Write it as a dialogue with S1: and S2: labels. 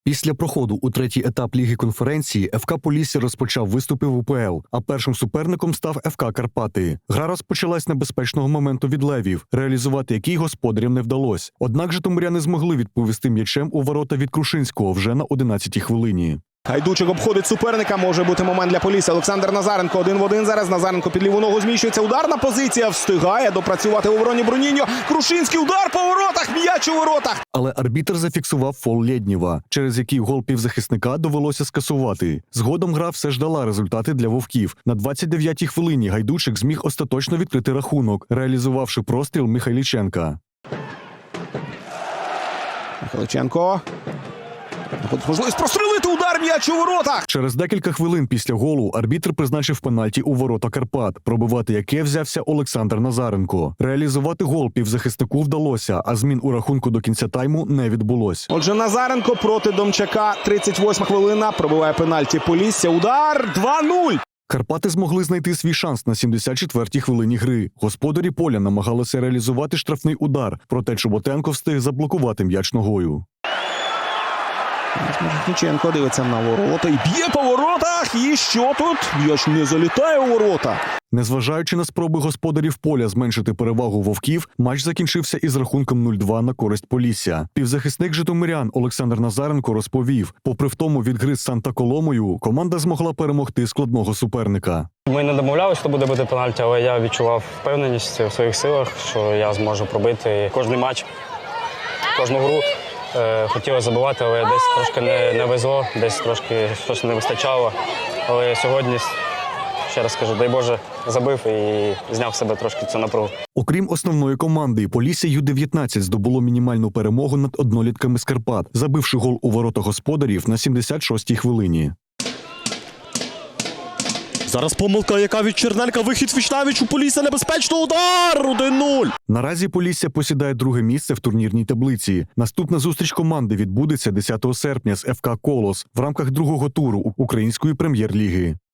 S1: Після проходу у третій етап Ліги конференції ФК Полісся розпочав виступи в УПЛ, а першим суперником став ФК Карпати. Гра розпочалась з небезпечного моменту від левів, реалізувати який господарям не вдалося. Однак житомиряни змогли відповісти м'ячем у ворота від Крушинського вже на 11-й хвилині.
S2: Гайдучик обходить суперника, може бути момент для Полісся. Олександр Назаренко 1 в 1 зараз. Назаренко під ліву ногу зміщується. Ударна позиція, встигає допрацювати у обороні Бруніньо. Крушинський удар по воротах, м'яч у воротах.
S1: Але арбітр зафіксував фол Лєднєва, через який гол півзахисника довелося скасувати. Згодом гра все ж дала результати для вовків. На 29-й хвилині Гайдучик зміг остаточно відкрити рахунок, реалізувавши простріл Михайліченка.
S2: Михайліченко. Можливість прострілити, удар, м'яч у воротах.
S1: Через декілька хвилин після голу арбітр призначив пенальті у ворота Карпат, пробивати яке взявся Олександр Назаренко. Реалізувати гол півзахиснику вдалося, а змін у рахунку до кінця тайму не відбулось.
S2: Отже, Назаренко проти Домчака. 38 хвилина. Пробиває пенальті Полісся. Удар 2-0.
S1: Карпати змогли знайти свій шанс на 74-й хвилині гри. Господарі поля намагалися реалізувати штрафний удар, проте Чоботенко встиг заблокувати м'яч ногою.
S2: Міхніченко дивиться на ворота і б'є по воротах. І що тут? М'яч не залітає у ворота.
S1: Незважаючи на спроби господарів поля зменшити перевагу вовків, матч закінчився із рахунком 0-2 на користь Полісся. Півзахисник житомирян Олександр Назаренко розповів, попри втому від гри з Санта-Коломою, команда змогла перемогти складного суперника.
S3: Ми не домовлялися, що буде бити пенальті, але я відчував впевненість в своїх силах, що я зможу пробити кожний матч, кожну гру. Хотілося забивати, але десь трошки не везло, десь трошки щось не вистачало. Але сьогодні, ще раз кажу, дай Боже, забив і зняв з себе трошки цю напругу.
S1: Окрім основної команди, Полісся Ю-19 здобуло мінімальну перемогу над однолітками з Карпат, забивши гол у ворота господарів на 76-й хвилині.
S4: Зараз помилка, яка від Черненка, вихід Вічнавіч у Полісся, небезпечно, удар! 1-0!
S1: Наразі Полісся посідає друге місце в турнірній таблиці. Наступна зустріч команди відбудеться 10 серпня з ФК «Колос» в рамках другого туру Української прем'єр-ліги.